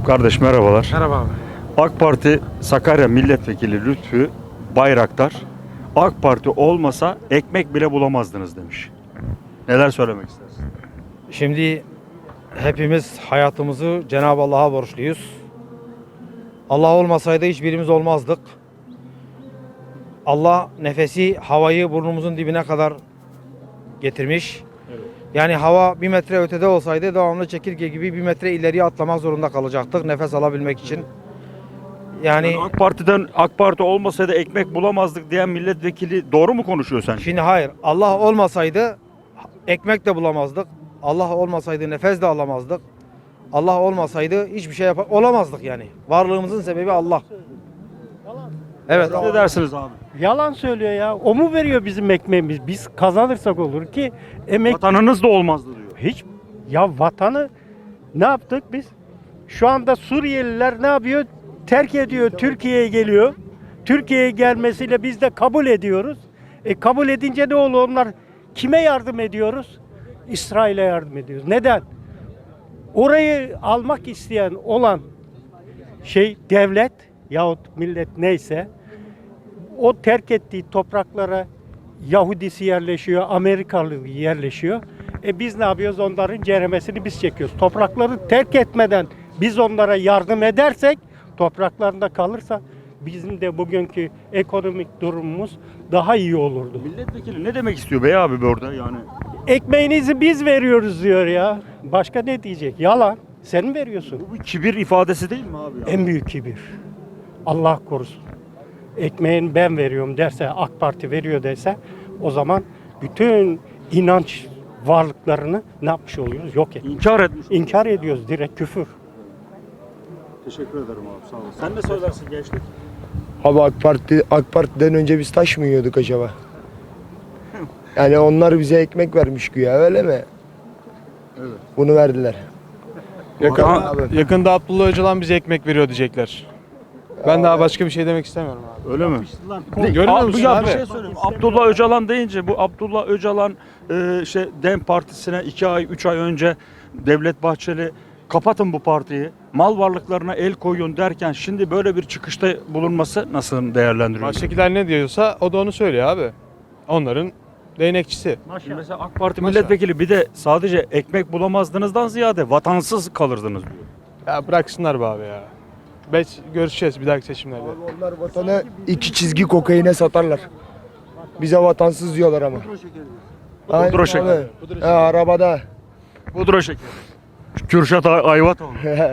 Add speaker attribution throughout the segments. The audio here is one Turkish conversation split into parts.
Speaker 1: Kardeş merhabalar.
Speaker 2: Merhaba abi.
Speaker 1: AK Parti Sakarya Milletvekili Lütfü Bayraktar, AK Parti olmasa ekmek bile bulamazdınız demiş. Neler söylemek istersin?
Speaker 2: Şimdi hepimiz hayatımızı Cenab-ı Allah'a borçluyuz. Allah olmasaydı hiçbirimiz olmazdık. Allah nefesi, havayı burnumuzun dibine kadar getirmiş. Yani hava 1 metre ötede olsaydı devamlı çekirge gibi 1 metre ileriye atlamak zorunda kalacaktık nefes alabilmek için. Yani
Speaker 1: AK Parti olmasaydı ekmek bulamazdık diyen milletvekili doğru mu konuşuyor sence?
Speaker 2: şimdi hayır, Allah olmasaydı ekmek de bulamazdık. Allah olmasaydı nefes de alamazdık. Allah olmasaydı hiçbir şey olamazdık yani. Varlığımızın sebebi Allah. Evet.
Speaker 1: Ne dersiniz abi?
Speaker 3: Yalan söylüyor ya. O mu veriyor bizim ekmeğimiz? Biz kazanırsak olur ki emek
Speaker 1: Vatanınız da olmazdı diyor.
Speaker 3: hiç ya vatanı ne yaptık biz? Şu anda Suriyeliler ne yapıyor? Terk ediyor, Türkiye'ye geliyor. Türkiye'ye gelmesiyle biz de kabul ediyoruz. Kabul edince ne oluyor? Onlar kime yardım ediyoruz? İsrail'e yardım ediyoruz. Neden? Orayı almak isteyen olan devlet yahut millet neyse o terk ettiği topraklara Yahudisi yerleşiyor, Amerikalı yerleşiyor. Biz ne yapıyoruz? Onların ceremesini biz çekiyoruz. Toprakları terk etmeden biz onlara yardım edersek, topraklarında kalırsa bizim de bugünkü ekonomik durumumuz daha iyi olurdu.
Speaker 1: Milletvekili ne demek istiyor bey abi burada yani?
Speaker 3: Ekmeğinizi biz veriyoruz diyor ya. Başka ne diyecek? Yalan. Sen mi veriyorsun?
Speaker 1: Bu bir kibir ifadesi değil mi abi?
Speaker 3: En büyük kibir. Allah korusun. Ekmeğini ben veriyorum derse, AK Parti veriyor derse o zaman bütün inanç varlıklarını ne yapmış oluyoruz? Yok et.
Speaker 1: İnkar etmiş.
Speaker 3: İnkar ediyoruz, direkt küfür.
Speaker 1: Teşekkür ederim abi sağ ol. Sen ne söylersin gençlik?
Speaker 4: Abi AK Parti'den önce biz taş mı yiyorduk acaba? Yani onlar bize ekmek vermiş güya öyle mi?
Speaker 1: Evet.
Speaker 4: Bunu verdiler.
Speaker 5: Yakında Abdullah Öcalan bize ekmek veriyor diyecekler. Ben daha başka bir şey demek istemiyorum abi.
Speaker 1: Öyle mi?
Speaker 5: Görmüyor musun
Speaker 1: ya
Speaker 5: abi?
Speaker 1: bir şey söyleyeyim. Abdullah Öcalan deyince bu Abdullah Öcalan DEM Partisi'ne 2 ay 3 ay önce Devlet Bahçeli kapatın bu partiyi, mal varlıklarına el koyun derken şimdi böyle bir çıkışta bulunması nasıl değerlendiriyorsun?
Speaker 5: Baştakiler ne diyorsa o da onu söylüyor abi. Onların değnekçisi.
Speaker 1: Şimdi mesela AK Parti milletvekili bir de sadece ekmek bulamazdınızdan ziyade vatansız kalırdınız diyor.
Speaker 5: Ya bıraksınlar be abi ya. Görüşeceğiz bir dahaki seçimlerde.
Speaker 4: Abi onlar vatanı 2 çizgi kokaine satarlar. Bize vatansız diyorlar ama. Aynen
Speaker 1: Pudra şekeri.
Speaker 4: abi. Arabada.
Speaker 1: Pudra şekeri. Kürşat Ayvatoğlu.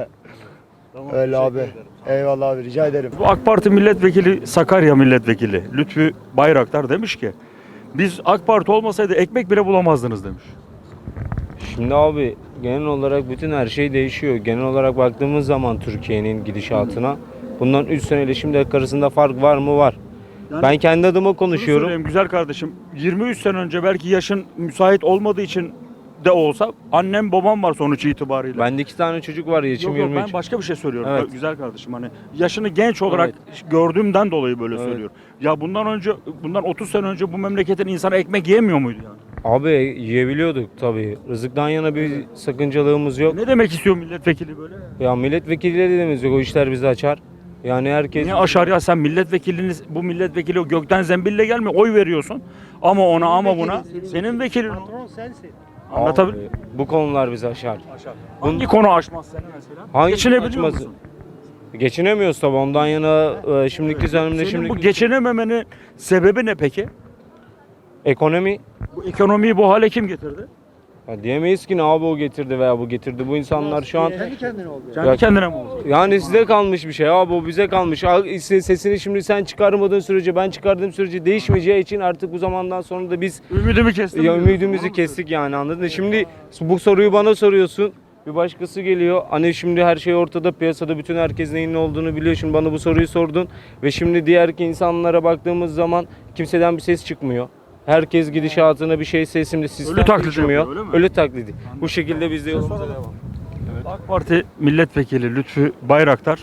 Speaker 4: Öyle abi. Eyvallah abi rica ederim.
Speaker 1: Bu AK Parti milletvekili Sakarya milletvekili Lütfü Bayraktar demiş ki biz AK Parti olmasaydı ekmek bile bulamazdınız demiş.
Speaker 6: Şimdi abi genel olarak bütün her şey değişiyor. Genel olarak baktığımız zaman Türkiye'nin gidişatına bundan 3 seneyle şimdi arasında fark var mı? Var.
Speaker 1: Yani
Speaker 6: Ben kendi adıma
Speaker 1: Şunu
Speaker 6: konuşuyorum.
Speaker 1: söyleyeyim güzel kardeşim. 23 sene önce belki yaşın müsait olmadığı için de olsa annem babam var sonuç itibariyle.
Speaker 6: Bende 2 tane çocuk var, yaşım
Speaker 1: Yok,
Speaker 6: 23.
Speaker 1: ben başka bir şey söylüyorum.
Speaker 6: Evet.
Speaker 1: Güzel kardeşim hani yaşını genç olarak gördüğümden dolayı böyle
Speaker 6: Evet.
Speaker 1: söylüyorum. Ya bundan 30 sene önce bu memleketin insanı ekmek yemiyor muydu yani?
Speaker 6: Abi yiyebiliyorduk tabii. Rızıktan yana bir sakıncalığımız yok.
Speaker 1: Ne demek istiyor milletvekili böyle?
Speaker 6: Ya milletvekilleri de demiyoruz yok. O işler bizi açar. Yani herkes...
Speaker 1: Niye aşar ya sen bu milletvekili o gökten zembille gelmiyor oy veriyorsun. Ama ona ama buna senin vekilin.
Speaker 3: Patron sensin.
Speaker 1: Anlatabilir
Speaker 6: Abi, bu konular bizi aşar.
Speaker 1: Hangi konu aşmaz seni mesela?
Speaker 6: Hangi
Speaker 1: Geçinebiliyor
Speaker 6: açması?
Speaker 1: musun?
Speaker 6: Geçinemiyoruz tabii. Ondan yana şimdiki düzenimde
Speaker 1: Senin bu geçinememenin sebebi ne peki?
Speaker 6: ekonomi.
Speaker 1: Bu ekonomiyi bu hale kim getirdi?
Speaker 6: Ya diyemeyiz ki ne abi o getirdi veya bu getirdi. Bu insanlar şu an
Speaker 3: Kendi kendine oldu.
Speaker 1: Kendi kendine mi oldu?
Speaker 6: yani size kalmış bir şey abi, o bize kalmış. Sesini şimdi sen çıkarmadığın sürece, ben çıkardığım sürece değişmeyeceği için artık bu zamandan sonra da biz
Speaker 1: Ümidimi kestim.
Speaker 6: ya ümidimizi kestik yani, anladın mı? Şimdi bu soruyu bana soruyorsun. Bir başkası geliyor. Hani şimdi her şey ortada, piyasada bütün herkes neyin ne olduğunu biliyor. Şimdi bana bu soruyu sordun ve şimdi diğer insanlara baktığımız zaman kimseden bir ses çıkmıyor. Herkes gidişatına bir şey sesimde sistem
Speaker 1: Ölü taklidi
Speaker 6: değişmiyor.
Speaker 1: yapıyor, öyle mi?
Speaker 6: Ölü taklidi. Bu şekilde biz de yolumuza devam.
Speaker 1: AK Parti milletvekili Lütfü Bayraktar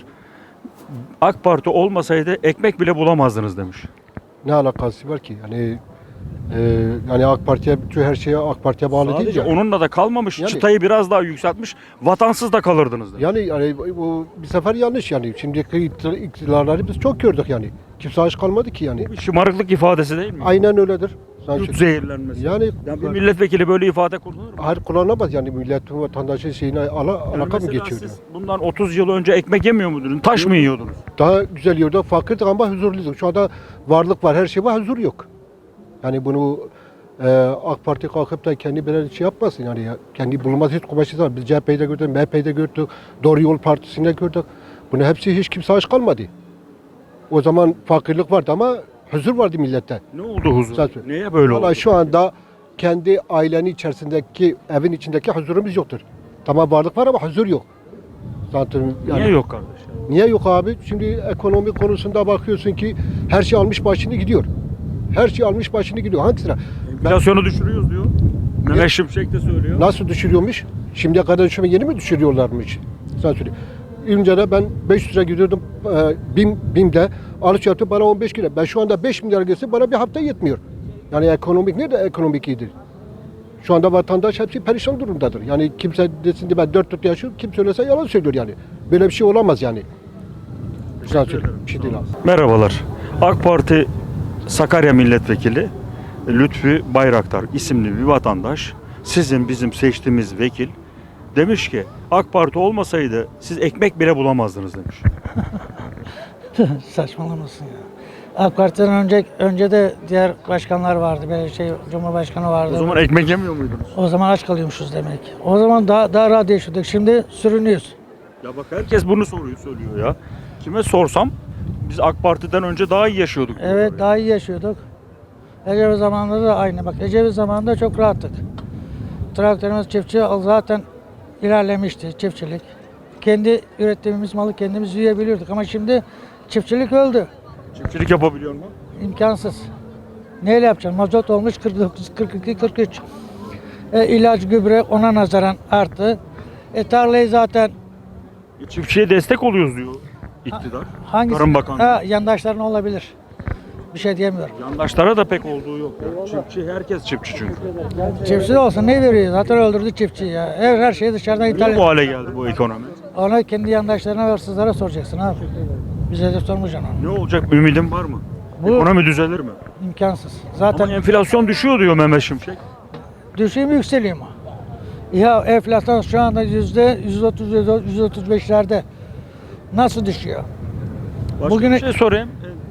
Speaker 1: AK Parti olmasaydı ekmek bile bulamazdınız demiş.
Speaker 7: Ne alakası var ki? Yani Yani AK Parti'ye, bütün her şeye AK Parti'ye bağlı değil
Speaker 1: Sadece
Speaker 7: ya.
Speaker 1: onunla da kalmamış.
Speaker 7: Yani-
Speaker 1: Çıtayı biraz daha yükseltmiş. Vatansız da kalırdınız. dedi.
Speaker 7: Yani bu bir sefer yanlış yani. Şimdiki iktidarları biz çok gördük yani. Kimse aç kalmadı ki yani.
Speaker 1: Bir şımarıklık ifadesi değil mi?
Speaker 7: Aynen öyledir.
Speaker 1: Yurt zehirlenmesi.
Speaker 7: Yani
Speaker 1: bir milletvekili böyle ifade kullanır mı?
Speaker 7: hayır kullanamaz yani milletin vatandaşın şeyine
Speaker 1: Yani
Speaker 7: alaka mı
Speaker 1: mesela
Speaker 7: geçiyordu?
Speaker 1: siz bundan 30 yıl önce ekmek yemiyor muydunuz? Taş mı yiyordunuz?
Speaker 7: Daha güzel yiyorduk, fakirdik ama huzurluyduk. Şu anda varlık var, her şey var, huzur yok. Yani bunu AK Parti kalkıp da kendi böyle şey yapmasın yani kendi bulunması hiç kumaşı var. Biz CHP'yi de gördük, MHP'yi de gördük, Doğru Yol Partisi'ni de gördük. Bunu hepsi hiç kimse aç kalmadı. O zaman fakirlik vardı ama huzur vardı millette.
Speaker 1: Ne oldu huzur?
Speaker 7: Zaten.
Speaker 1: Niye böyle oldu?
Speaker 7: Vallahi şu anda kendi ailenin içerisindeki, evin içindeki huzurumuz yoktur. Tamam varlık var ama huzur yok. Zaten yani,
Speaker 1: Niye yok kardeş?
Speaker 7: Niye yok abi? Şimdi ekonomi konusunda bakıyorsun ki her şey almış başını gidiyor. Her şey almış başını gidiyor. Hangisine?
Speaker 1: Enflasyonu düşürüyoruz diyor. Mehmet Şimşek de söylüyor.
Speaker 7: Nasıl düşürüyormuş? Şimdiye kadar yeni mi düşürüyorlarmış? Sen söyle. Önce de ben 500 lira gidiyordum BİM'de alış yaptım bana 15 lira. Ben şu anda 5 milyar gelse bana bir hafta yetmiyor. Yani ekonomik nerede ekonomik iyidir? Şu anda vatandaş hepsi perişan durumdadır. Yani kimse desin de ben 4 yaşıyorum, kim söylese yalan söylüyor yani. Böyle bir şey olamaz yani. Sen söyle. Bir şey değil abi.
Speaker 1: Merhabalar. AK Parti Sakarya Milletvekili Lütfü Bayraktar isimli bir vatandaş sizin bizim seçtiğimiz vekil demiş ki AK Parti olmasaydı siz ekmek bile bulamazdınız demiş.
Speaker 8: Saçmalamasın ya. AK Parti'den önce de diğer başkanlar vardı. Böyle Cumhurbaşkanı vardı.
Speaker 1: O zaman ekmek yemiyor muydunuz?
Speaker 8: O zaman aç kalıyormuşuz demek. O zaman daha rahat yaşıyorduk. Şimdi sürünüyoruz.
Speaker 1: Ya bak herkes bunu söylüyor ya. Kime sorsam biz AK Parti'den önce daha iyi yaşıyorduk. diyorlar
Speaker 8: Evet
Speaker 1: ya.
Speaker 8: daha iyi yaşıyorduk. Ecevit zamanında da aynı. Bak Ecevit zamanında çok rahattık. Traktörümüz çiftçi zaten ilerlemişti çiftçilik. Kendi ürettiğimiz malı kendimiz yiyebiliyorduk ama şimdi çiftçilik öldü.
Speaker 1: Çiftçilik yapabiliyor mu?
Speaker 8: İmkansız. Neyle yapacaksın? Mazot olmuş 49, 42, 43. İlaç, gübre ona nazaran arttı. Tarlayı zaten
Speaker 1: Çiftçiye destek oluyoruz diyor iktidar.
Speaker 8: hangisi?
Speaker 1: Tarım Bakanlığı.
Speaker 8: Yandaşların olabilir. Bir şey diyemiyorum.
Speaker 1: Yandaşlara da pek olduğu yok. Ya. Çiftçi herkes çiftçi çünkü.
Speaker 8: Çiftçi de olsa ne veriyor? Zaten öldürdü çiftçiyi ya. Her şeyi dışarıdan
Speaker 1: Niye
Speaker 8: ithal
Speaker 1: bu hale geldi bu ekonomi?
Speaker 8: Ona kendi yandaşlarına ve hırsızlara soracaksın abi. Bize de sormayacaksın onu.
Speaker 1: Ne olacak? Ümidin var mı?
Speaker 8: Bu-
Speaker 1: Ekonomi düzelir mi?
Speaker 8: İmkansız. Zaten
Speaker 1: Ama enflasyon düşüyor diyor Mehmet Şimşek.
Speaker 8: düşüyor mu yükseliyor mu? Ya enflasyon şu anda %130-135'lerde. Nasıl düşüyor?
Speaker 1: Başka
Speaker 8: Bugüne-
Speaker 1: bir şey sorayım.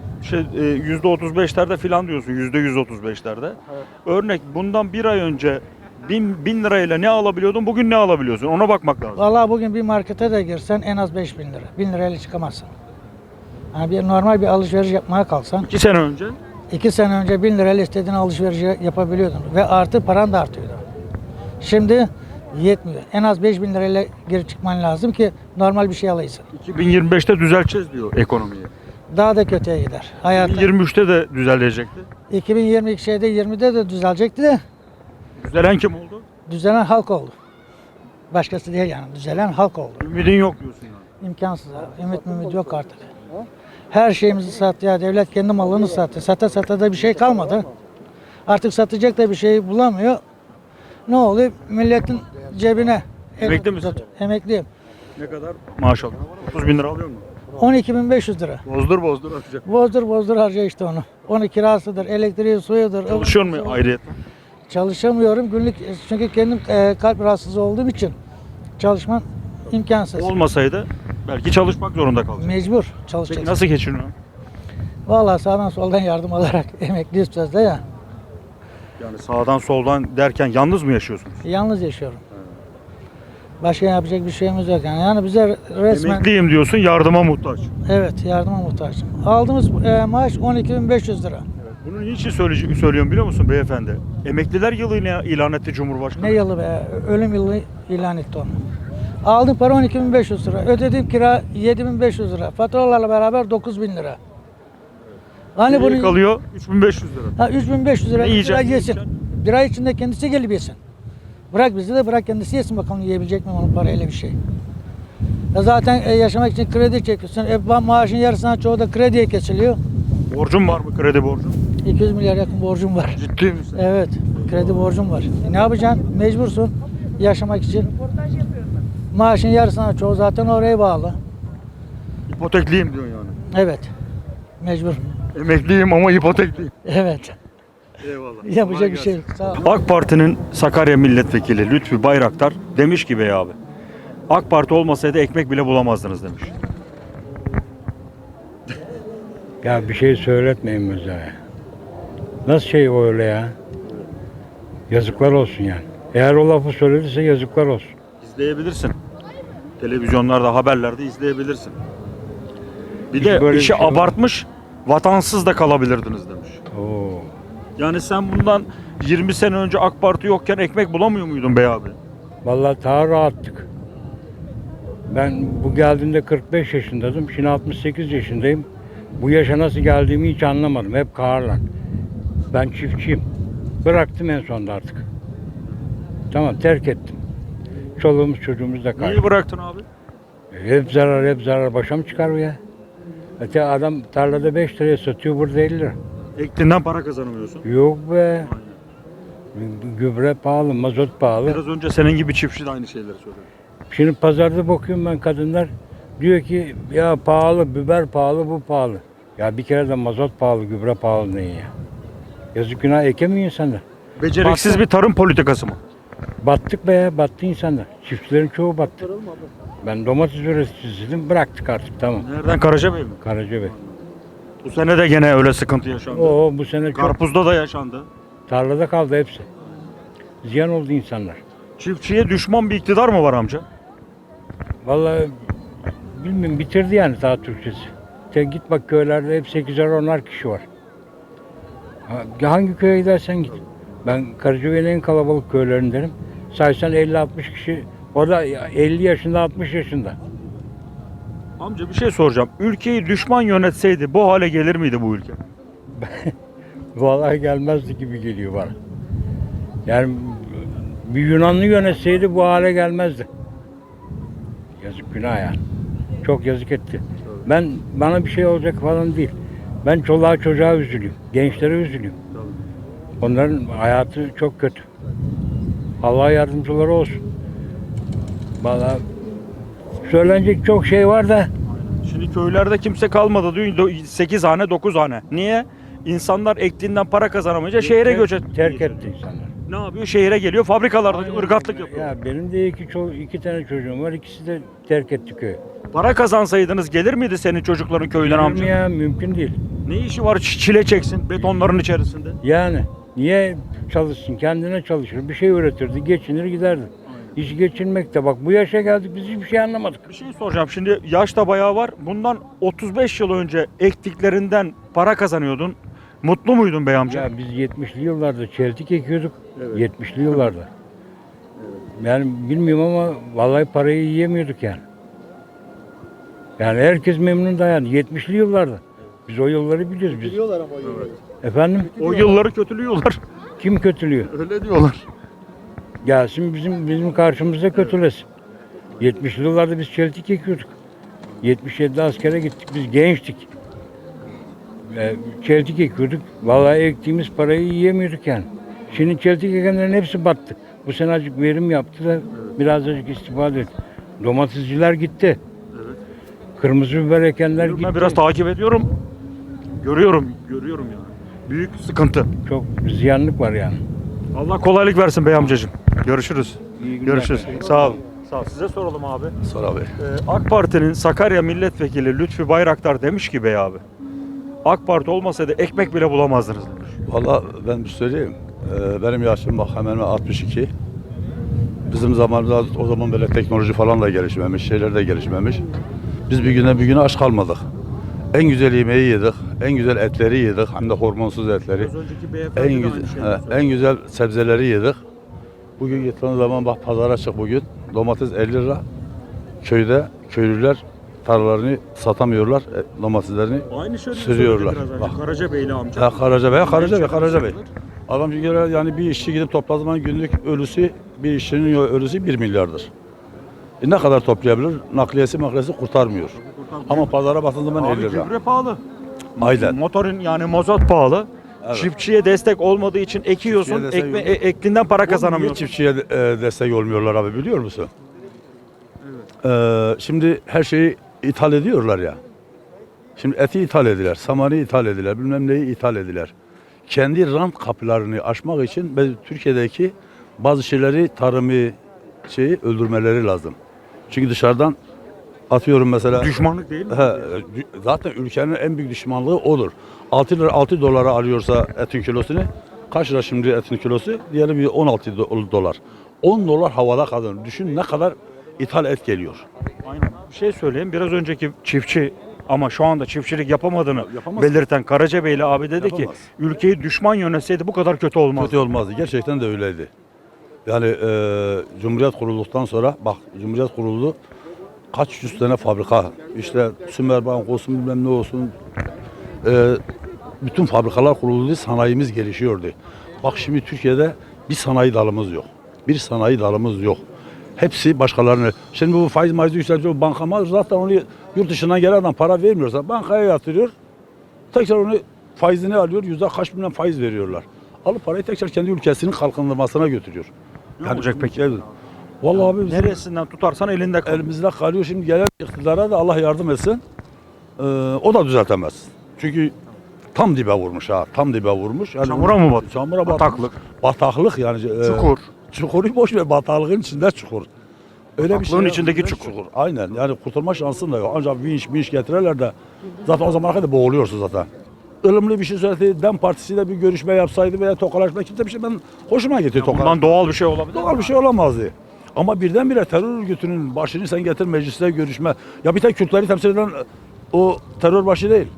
Speaker 1: %35'lerde filan diyorsun. %135'lerde. Örnek bundan bir ay önce 1000 lirayla ne alabiliyordun? Bugün ne alabiliyorsun? Ona bakmak lazım.
Speaker 8: Vallahi bugün bir markete de girsen en az 5.000 lira. 1000 lirayla çıkamazsın. Yani normal bir alışveriş yapmaya kalksan
Speaker 1: 2 sene önce
Speaker 8: 2 sene önce 1000 lirayla istediğin alışverişi yapabiliyordun. Ve artı paran da artıyordu. Şimdi yetmiyor. En az 5.000 lirayla geri çıkman lazım ki normal bir şey alayısın.
Speaker 1: 2025'te düzelteceğiz diyor ekonomiyi.
Speaker 8: Daha da kötüye gider. Hayat
Speaker 1: 2023'te de düzelecekti.
Speaker 8: 2022 20'de de düzelecekti de
Speaker 1: Düzelen kim oldu?
Speaker 8: düzelen halk oldu. Başkası değil yani. Düzelen halk oldu.
Speaker 1: Ümidin yok diyorsun yani.
Speaker 8: İmkansız abi. Ümit yok artık. Her şeyimizi sattı ya. Devlet kendi malını sattı. Sata da bir şey kalmadı. Artık satacak da bir şey bulamıyor. Ne oluyor? Milletin cebine.
Speaker 1: Emekli misin?
Speaker 8: Emekliyim.
Speaker 1: Ne kadar maaş alıyor? 30 bin lira alıyor mu?
Speaker 8: 12.500 lira.
Speaker 1: Bozdur atacak.
Speaker 8: Bozdur harca işte onu. Onun kirasıdır, elektriği, suyudur.
Speaker 1: Çalışıyor mu ayrıyetten?
Speaker 8: Çalışamıyorum günlük çünkü kendim kalp rahatsızı olduğum için çalışmam imkansız.
Speaker 1: Olmasaydı belki çalışmak zorunda kalacak.
Speaker 8: Mecbur
Speaker 1: Peki
Speaker 8: çalışacaksın.
Speaker 1: nasıl geçiniyor?
Speaker 8: Vallahi sağdan soldan yardım alarak emekliyiz sözde ya.
Speaker 1: Yani sağdan soldan derken yalnız mı yaşıyorsunuz?
Speaker 8: Yalnız yaşıyorum. Başka yapacak bir şeyimiz yok yani. Yani bize resmen
Speaker 1: Emekliyim diyorsun, yardıma muhtaç.
Speaker 8: evet yardıma muhtaçım. Aldığımız maaş 12.500 lira.
Speaker 1: Bunu niçin söylüyorum biliyor musun beyefendi? Emekliler yılı ilan etti Cumhurbaşkanı.
Speaker 8: Ne yılı be? Ölüm yılı ilan etti onu. Aldığım para 12.500 lira. Ödediğim kira 7.500 lira. Faturalarla beraber 9.000 lira. Hani
Speaker 1: Geriye
Speaker 8: bunu
Speaker 1: kalıyor 3500 lira.
Speaker 8: 3.500 lira
Speaker 1: Ne
Speaker 8: bir
Speaker 1: yiyeceksin,
Speaker 8: ay
Speaker 1: ne
Speaker 8: yesin.
Speaker 1: yiyeceksin?
Speaker 8: Bir ay içinde kendisi gelip yesin. Bırak bizi de bırak kendisi yesin bakalım yiyebilecek mi onun parayla bir şey. Ya zaten yaşamak için kredi çekiyorsun. Maaşın yarısından çoğu da krediye kesiliyor.
Speaker 1: Borcun var mı kredi borcu?
Speaker 8: 200 milyar yakın borcum var.
Speaker 1: Ciddi misin?
Speaker 8: Evet, kredi borcum var. Ne yapacaksın? Mecbursun yaşamak için. Maaşın yarısına çoğu zaten oraya bağlı.
Speaker 1: İpotekliyim diyorsun yani.
Speaker 8: Evet, mecbur.
Speaker 1: Emekliyim ama ipotekliyim.
Speaker 8: Evet,
Speaker 1: Eyvallah.
Speaker 8: yapacak bir şey yok. Sağ ol.
Speaker 1: AK Parti'nin Sakarya Milletvekili Lütfü Bayraktar demiş ki bey abi, AK Parti olmasaydı ekmek bile bulamazdınız demiş.
Speaker 9: Ya bir şey söyletmeyin bize. Nasıl şey o öyle ya? Yazıklar olsun yani. Eğer o lafı söylediyse yazıklar olsun.
Speaker 1: İzleyebilirsin. Televizyonlarda, haberlerde izleyebilirsin. Bir
Speaker 9: Hiç
Speaker 1: de
Speaker 9: böyle bir
Speaker 1: işi
Speaker 9: şey olmaz.
Speaker 1: abartmış, vatansız da kalabilirdiniz demiş.
Speaker 9: Oo.
Speaker 1: Yani sen bundan 20 sene önce AK Parti yokken ekmek bulamıyor muydun bey abi?
Speaker 9: Vallahi daha rahattık. Ben bu geldiğimde 45 yaşındaydım. Şimdi 68 yaşındayım. Bu yaşa nasıl geldiğimi hiç anlamadım. Hep kaharla. Ben çiftçiyim. Bıraktım en sonunda artık. Tamam, terk ettim. Çoluğumuz çocuğumuz da kaydı.
Speaker 1: Niye bıraktın abi?
Speaker 9: Hep zarar, hep zarar. Başa mı çıkar bu ya? Öte adam tarlada 5 liraya satıyor, burada 50 lira.
Speaker 1: Ektiğinden para kazanamıyorsun.
Speaker 9: Yok be. Gübre pahalı, mazot pahalı.
Speaker 1: Biraz önce senin gibi çiftçi de aynı şeyleri söyledi.
Speaker 9: Şimdi pazarda bakıyorum ben, kadınlar diyor ki ya pahalı, biber pahalı, bu pahalı. Ya bir kere de mazot pahalı, gübre pahalı ne ya? Yazık, günah, ekemiyor insanlar.
Speaker 1: Beceriksiz bir tarım politikası mı?
Speaker 9: Battık be ya, battı insanlar. Çiftçilerin çoğu battı. Ben domates üreticisiydim, bıraktık artık, tamam.
Speaker 1: Nereden? Karacabey mi?
Speaker 9: Karacabey.
Speaker 1: Bu sene de gene öyle sıkıntı yaşandı.
Speaker 9: Oo, bu sene çok
Speaker 1: Karpuzda da yaşandı.
Speaker 9: tarlada kaldı hepsi. Ziyan oldu insanlar.
Speaker 1: Çiftçiye düşman bir iktidar mı var amca?
Speaker 9: Vallahi bilmiyorum, bitirdi yani daha Türkçesi. Git bak, köylerde hep 8'er 10'ar kişi var. Hangi köye gidersen git. Ben Karacabey'in en kalabalık köylerindenim. Saysan 50-60 kişi. O da 50 yaşında, 60 yaşında.
Speaker 1: Amca bir şey soracağım. Ülkeyi düşman yönetseydi bu hale gelir miydi bu ülke?
Speaker 9: Vallahi gelmezdi gibi geliyor bana. Yani bir Yunanlı yönetseydi bu hale gelmezdi. Yazık, günah yani. Çok yazık etti. Bana bir şey olacak falan değil. Ben çoluğa çocuğa üzülüyorum. Gençlere üzülüyorum. Onların hayatı çok kötü. Allah yardımcıları olsun. Vallahi söylenecek çok şey var da
Speaker 1: Şimdi köylerde kimse kalmadı diyor. 8 hane 9 hane. Niye? İnsanlar ektiğinden para kazanamayınca şehre göç etti.
Speaker 9: terk etti insanlar.
Speaker 1: Ne yapıyor? Şehre geliyor. Fabrikalarda ırgatlık yapıyor.
Speaker 9: Ya benim de iki tane çocuğum var. İkisi de terk etti köyü.
Speaker 1: Para kazansaydınız gelir miydi senin çocukların köyden
Speaker 9: Gelir mi
Speaker 1: amca?
Speaker 9: ya? Mümkün değil.
Speaker 1: Ne işi var çile çeksin betonların içerisinde?
Speaker 9: Yani niye çalışsın? Kendine çalışır. Bir şey üretirdi. Geçinir giderdi. Hiç geçinmek de, bak bu yaşa geldik biz hiçbir şey anlamadık.
Speaker 1: Bir şey soracağım. Şimdi yaş da bayağı var. Bundan 35 yıl önce ektiklerinden para kazanıyordun. Mutlu muydun bey amca?
Speaker 9: Ya biz 70'li yıllarda çeltik ekiyorduk. 70'li yıllarda. Yani bilmiyorum ama vallahi parayı yiyemiyorduk yani. Yani herkes memnun da yani 70'li yıllarda. Biz o yılları biliyoruz biz.
Speaker 7: Biliyorlar ama o yılları.
Speaker 9: Efendim?
Speaker 1: O yılları kötülüyorlar.
Speaker 9: Kim kötülüyor?
Speaker 1: Öyle diyorlar.
Speaker 9: Gelsin bizim karşımızda kötülesin. 70'li yıllarda biz çeltik ekiyorduk. 77'de askere gittik. Biz gençtik. Çeltik ekiyorduk. Vallahi ektiğimiz parayı yiyemiyorduk yani. Şimdi çeltik ekenlerin hepsi battı. Bu sene azıcık verim yaptı da biraz azıcık istifade etti. Domatesciler gitti. Kırmızı biber ekenler gitti.
Speaker 1: Ben biraz takip ediyorum. Görüyorum yani. Büyük sıkıntı.
Speaker 9: Çok ziyanlık var yani.
Speaker 1: Allah kolaylık versin bey amcacığım. Görüşürüz.
Speaker 9: İyi günler.
Speaker 1: Görüşürüz. Sağ olun. Sağ ol. Size soralım abi.
Speaker 10: Sor abi.
Speaker 1: AK Parti'nin Sakarya Milletvekili Lütfü Bayraktar demiş ki bey abi. AK Parti olmasaydı ekmek bile bulamazdınız demiş.
Speaker 10: Valla ben bir söyleyeyim. Benim yaşım bak hemen hemen 62. Bizim zamanımızda o zaman böyle teknoloji falan da gelişmemiş, şeyler de gelişmemiş. Biz bir güne aç kalmadık. En güzel yemeği yedik, en güzel etleri yedik, hem de hormonsuz etleri.
Speaker 1: Az önceki beyefendi
Speaker 10: En
Speaker 1: de
Speaker 10: güzel,
Speaker 1: aynı şeyi
Speaker 10: en güzel sebzeleri yedik. Bugün gittiğiniz zaman bak pazara çık bugün. Domates 50 lira. Köyde köylüler tarlalarını satamıyorlar, domateslerini
Speaker 1: Aynı şeyi
Speaker 10: sürüyorlar.
Speaker 1: söyledi biraz
Speaker 10: Bak.
Speaker 1: önce. Karacabeyli amca.
Speaker 10: Karacabey. Adam bir kere yani bir işçi gidip topladığı zaman günlük ölüsü, bir işçinin ölüsü 1 milyardır. Ne kadar toplayabilir? Nakliyesi kurtarmıyor. Ama pazara baktığın zaman
Speaker 1: Abi
Speaker 10: 50 lira.
Speaker 1: gübre pahalı.
Speaker 10: Aynen.
Speaker 1: Motorun yani mazot pahalı.
Speaker 10: Evet.
Speaker 1: Çiftçiye destek olmadığı için ekiyorsun,
Speaker 10: Çiftçiye destek
Speaker 1: ektiğinden para
Speaker 10: Niye
Speaker 1: kazanamıyorsun.
Speaker 10: çiftçiye destek olmuyorlar abi biliyor musun? Şimdi her şeyi ithal ediyorlar ya. Şimdi eti ithal ediler, samanı ithal ediler, bilmem neyi ithal ediler. Kendi rant kapılarını aşmak için Türkiye'deki bazı şeyleri tarımı öldürmeleri lazım. Çünkü dışarıdan atıyorum mesela.
Speaker 1: Düşmanlık değil mi?
Speaker 10: Zaten ülkenin en büyük düşmanlığı odur. 6 dolara alıyorsa etin kilosunu, kaç lira şimdi etin kilosu? Diyelim bir 16 dolar. 10 dolar havada kalır. Düşün ne kadar ithal et geliyor.
Speaker 1: Aynen. Bir şey söyleyeyim. Biraz önceki çiftçi ama şu anda çiftçilik yapamadığını
Speaker 10: Yapamaz.
Speaker 1: belirten Karacabeyli abi dedi ki
Speaker 10: Yapamaz.
Speaker 1: ülkeyi düşman yönetseydi bu kadar kötü olmazdı.
Speaker 10: Kötü olmazdı. Gerçekten de öyleydi. Yani Cumhuriyet kurulduktan sonra bak Cumhuriyet kuruldu. Kaç yüz tane fabrika işte Sümerbank olsun bilmem ne olsun bütün fabrikalar kuruldu. Sanayimiz gelişiyordu. Bak şimdi Türkiye'de bir sanayi dalımız yok. Bir sanayi dalımız yok. Hepsi başkalarını. Şimdi bu faiz maizi yükseltiyor. Bankama zaten onu yurt dışından gelen adam para vermiyorsa bankaya yatırıyor. Tekrar onu faizini alıyor. Kaç milyon faiz veriyorlar. Alıp parayı tekrar kendi ülkesinin kalkındırmasına götürüyor.
Speaker 1: Ne olacak peki?
Speaker 10: Vallahi abi bizim
Speaker 1: Neresinden tutarsan elinde kalır.
Speaker 10: elimizde kalıyor. Şimdi gelen iktidara da Allah yardım etsin. O da düzeltemez. Çünkü tam dibe vurmuş ha. Tam dibe vurmuş. Yani
Speaker 1: Çamura mı batıyor?
Speaker 10: Çamura
Speaker 1: Bataklık.
Speaker 10: Bataklık yani.
Speaker 1: Çukur.
Speaker 10: Çukuru boş ver. Bataklığın içinde çukur. Öyle
Speaker 1: Bataklığın içindeki
Speaker 10: içinde
Speaker 1: çukur.
Speaker 10: Aynen. Yani kurtulma şansın da yok. Ancak vinç getirirler de zaten o zamana kadar boğuluyorsun zaten. Ilımlı bir şey söyledi. DEM Partisi'yle bir görüşme yapsaydı veya tokalaşma kimse bir şey ben hoşuma gidiyor tokalaşma.
Speaker 1: Bundan doğal bir şey olabilir.
Speaker 10: Doğal bir şey olamazdı. Ama birdenbire terör örgütünün başını sen getir mecliste görüşme. Ya bir tek Kürtleri temsil eden o terör başı değil.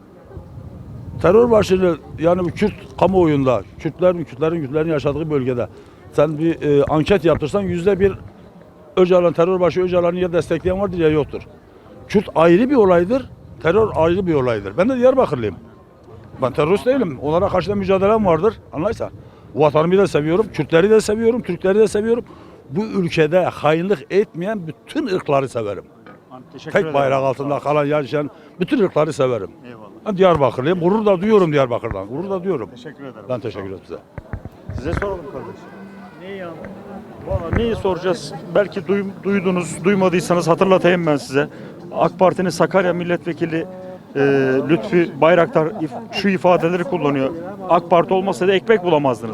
Speaker 10: Terör başını yani bu Kürt kamuoyunda, Kürtlerin yaşadığı bölgede sen bir anket yaptırsan %1 Öcalan terör başı Öcalan'ı ya destekleyen vardır ya yoktur. Kürt ayrı bir olaydır, terör ayrı bir olaydır. Ben de Diyarbakırlıyım. Ben terörist değilim. Onlara karşı da mücadelem vardır. Anlayırsan. Vatanımı da seviyorum, Kürtleri de seviyorum, Türkleri de seviyorum. Bu ülkede hainlik etmeyen bütün ırkları severim. Tek bayrak altında kalan yaşayan bütün ırkları severim.
Speaker 1: Eyvallah.
Speaker 10: Ben Diyarbakırlıyım. Gurur da duyuyorum Diyarbakır'dan. Gurur da duyuyorum.
Speaker 1: Teşekkür ederim.
Speaker 10: Ben teşekkür ederim size.
Speaker 1: Size soralım kardeşim. Neyi Valla neyi soracağız? Belki duydunuz, duymadıysanız hatırlatayım ben size. AK Parti'nin Sakarya Milletvekili Lütfi Bayraktar şu ifadeleri kullanıyor. AK Parti olmasaydı ekmek bulamazdınız.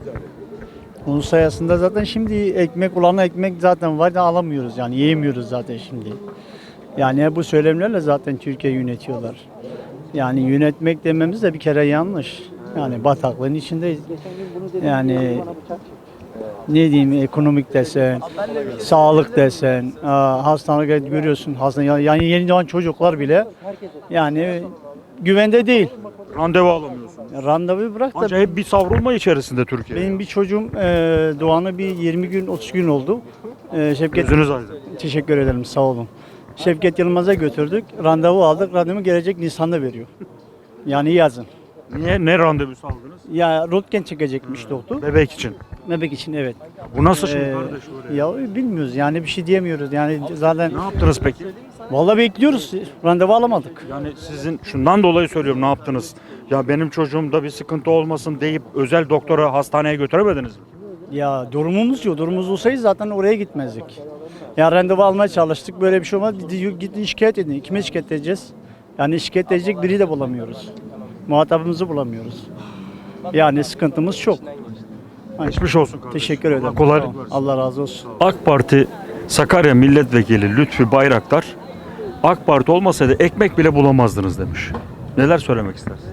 Speaker 11: Onun sayesinde zaten şimdi ekmek olan ekmek zaten var da alamıyoruz yani yiyemiyoruz zaten şimdi. Yani bu söylemlerle zaten Türkiye yönetiyorlar. Yani yönetmek dememiz de bir kere yanlış. Yani bataklığın içindeyiz. Yani ne diyeyim ekonomik desen, sağlık desen, hastaneler görüyorsun. Yani yeni doğan çocuklar bile yani güvende değil.
Speaker 1: Randevu alamıyorsunuz.
Speaker 11: Randevu bırak da
Speaker 1: Ancak hep bir savrulma içerisinde Türkiye.
Speaker 11: benim bir çocuğum doğanı bir 20 gün 30 gün oldu. Şevket
Speaker 1: Gözünüz aydın.
Speaker 11: teşekkür ederim sağ olun. Şevket Yılmaz'a götürdük. Randevu aldık. Randevu gelecek Nisan'da veriyor. Yani yazın.
Speaker 1: Niye? Ne randevusu aldınız?
Speaker 11: Ya röntgen çekecekmiş doktor.
Speaker 1: Bebek için.
Speaker 11: Bebek için evet.
Speaker 1: Bu nasıl şimdi
Speaker 11: Ee,
Speaker 1: kardeş oraya?
Speaker 11: Ya bilmiyoruz yani bir şey diyemiyoruz. Yani zaten
Speaker 1: Ne yaptınız peki?
Speaker 11: vallahi bekliyoruz. Randevu alamadık.
Speaker 1: Yani sizin şundan dolayı söylüyorum ne yaptınız? Ya benim çocuğumda bir sıkıntı olmasın deyip özel doktora hastaneye götüremediniz mi?
Speaker 11: Ya durumumuz yok. Durumumuz olsaydı zaten oraya gitmezdik. Ya randevu almaya çalıştık. Böyle bir şey olmaz. Gidin şikayet edin. Kime şikayet edeceğiz? Yani şikayet edecek biri de bulamıyoruz. Muhatabımızı bulamıyoruz. Yani sıkıntımız çok.
Speaker 1: Geçmiş olsun kardeşim.
Speaker 11: Teşekkür ederim.
Speaker 1: Kolaylık
Speaker 11: Sağ ol.
Speaker 1: versin.
Speaker 11: Allah razı olsun.
Speaker 1: AK Parti Sakarya Milletvekili Lütfi Bayraktar AK Parti olmasaydı ekmek bile bulamazdınız demiş. Neler söylemek istersin?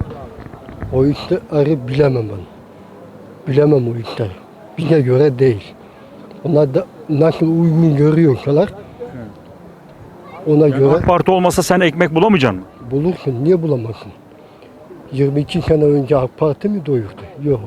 Speaker 7: O işleri bilemem ben. Bilemem o işleri. Bize göre değil. Onlar da nasıl uygun görüyorsalar ona
Speaker 1: Yani
Speaker 7: göre
Speaker 1: AK Parti olmasa sen ekmek bulamayacaksın mı?
Speaker 7: bulursun. Niye bulamazsın? 22 sene önce AK Parti mi doyurdu? Yok.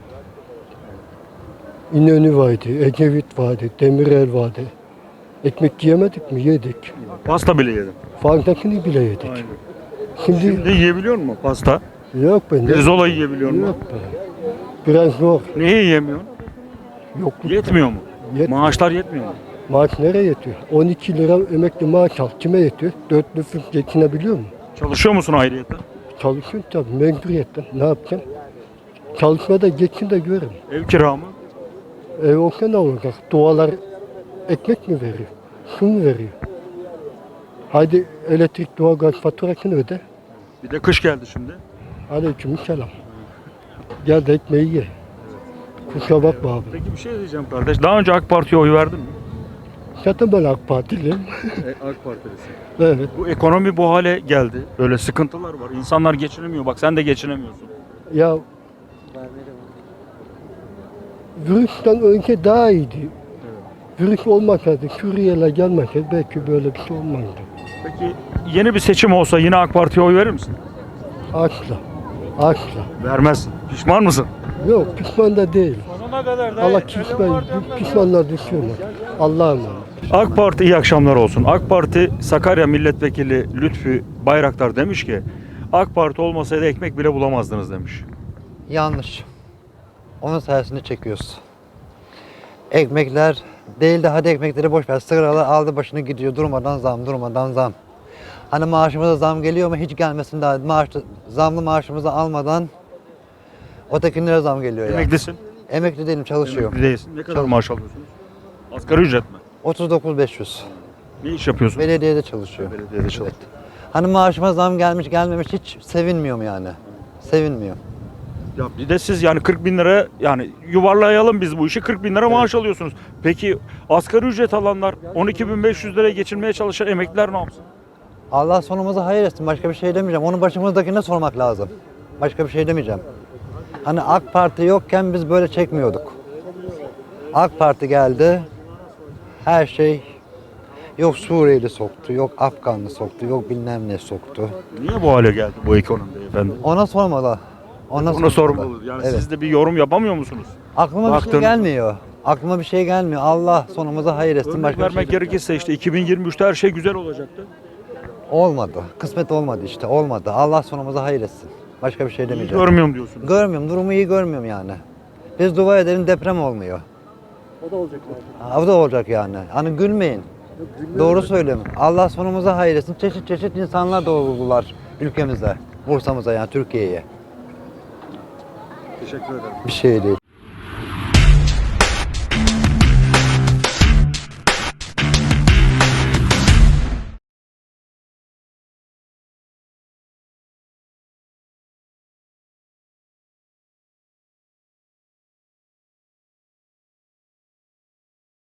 Speaker 7: İnönü vardı, Ecevit vardı, Demirel vardı. Ekmek yiyemedik mi? Yedik.
Speaker 1: Pasta bile yedim.
Speaker 7: Fazlasını bile yedik.
Speaker 1: Aynen.
Speaker 7: Şimdi
Speaker 1: Şimdi yiyebiliyor musun pasta?
Speaker 7: yok be.
Speaker 1: Pirzola yiyebiliyor musun?
Speaker 7: Yok be. Biraz zor.
Speaker 1: Niye yiyemiyorsun?
Speaker 7: Yokluk.
Speaker 1: Yetmiyor mu?
Speaker 7: Yetmiyor.
Speaker 1: Maaşlar yetmiyor mu?
Speaker 7: Maaş nereye yetiyor? 12 lira emekli maaş al. Kime yetiyor? 4 nüfus geçinebiliyor mu?
Speaker 1: Çalışıyor musun ayrıyeten?
Speaker 7: Çalışıyorum tabii mecburiyetten. Ne yapacağım? Çalışmada geçin de görün.
Speaker 1: Ev kira mı?
Speaker 7: Ev olsa ne olacak? Dualar ekmek mi veriyor? Su mu veriyor? Hadi elektrik, doğalgaz faturasını öde.
Speaker 1: Bir de kış geldi şimdi.
Speaker 7: Aleykümselam. Gel de ekmeği ye. Kusura bakma abi.
Speaker 1: Peki bir şey diyeceğim kardeş. Daha önce AK Parti'ye oy verdin mi?
Speaker 7: Zaten ben AK Partiliyim.
Speaker 1: AK Partilisin.
Speaker 7: Evet.
Speaker 1: Bu ekonomi bu hale geldi. Böyle sıkıntılar var. İnsanlar geçinemiyor. Bak sen de geçinemiyorsun.
Speaker 7: Ya virüsten önce daha iyiydi. Virüs olmasaydı, Suriyeliler gelmeseydi belki böyle bir şey olmazdı.
Speaker 1: Peki yeni bir seçim olsa yine AK Parti'ye oy verir misin?
Speaker 7: Asla. Asla.
Speaker 1: Vermezsin. Pişman mısın?
Speaker 7: Yok pişman da değil. Allah pişmanlar düşüyorlar. Allah'a emanet.
Speaker 1: AK Parti iyi akşamlar olsun. AK Parti Sakarya Milletvekili Lütfü Bayraktar demiş ki AK Parti olmasaydı ekmek bile bulamazdınız demiş.
Speaker 12: Yanlış. Onun sayesinde çekiyoruz. Ekmekler değil de hadi ekmekleri boş ver. Sigaralar aldı başını gidiyor. Durmadan zam, durmadan zam. Hani maaşımıza zam geliyor mu? Hiç gelmesin daha. Zamlı maaşımızı almadan ötekilere zam geliyor yani.
Speaker 1: Emeklisin.
Speaker 12: Emekli değilim, çalışıyorum.
Speaker 1: Emekli değilsin. Ne kadar maaş alıyorsunuz? Asgari ücret mi?
Speaker 12: 39.500.
Speaker 1: Ne iş yapıyorsun?
Speaker 12: Belediyede çalışıyor.
Speaker 1: Belediyede çalışıyorum.
Speaker 12: Hani maaşıma zam gelmiş gelmemiş hiç sevinmiyorum yani. Sevinmiyor.
Speaker 1: Ya bir de siz yani 40 bin lira yani yuvarlayalım biz bu işi 40 bin lira maaş alıyorsunuz. Peki asgari ücret alanlar 12.500 liraya geçinmeye çalışan emekliler ne yapsın?
Speaker 12: Allah sonumuzu hayır etsin. Başka bir şey demeyeceğim. Onu başımızdakine sormak lazım. Başka bir şey demeyeceğim. Hani AK Parti yokken biz böyle çekmiyorduk. AK Parti geldi. Her şey yok Suriyeli soktu, yok Afganlı soktu, yok bilmem ne soktu.
Speaker 1: Niye bu hale geldi bu ekonomi efendim?
Speaker 12: Ona sormalı.
Speaker 1: Ona sormalı. Yani
Speaker 12: Evet.
Speaker 1: siz de bir yorum yapamıyor musunuz?
Speaker 12: Aklıma bir
Speaker 1: Baktın.
Speaker 12: şey gelmiyor. Aklıma bir şey gelmiyor. Allah sonumuzu hayır etsin.
Speaker 1: Örnek
Speaker 12: Başka bir şey
Speaker 1: vermek gerekirse işte 2023'te her şey güzel olacaktı.
Speaker 12: olmadı. Kısmet olmadı işte. Olmadı. Allah sonumuzu hayır etsin. Başka bir şey
Speaker 1: İyi
Speaker 12: demeyeceğim.
Speaker 1: görmüyorum diyorsunuz.
Speaker 12: Görmüyorum. Durumu iyi görmüyorum yani. Biz dua edelim deprem olmuyor. O da olacak yani. O da olacak yani. Hani gülmeyin. Doğru söylüyorum. Allah sonumuzu hayır etsin. Çeşit çeşit insanlar doğurdular ülkemize. Bursa'mıza yani Türkiye'ye.
Speaker 1: Teşekkür ederim.
Speaker 12: Bir şey değil.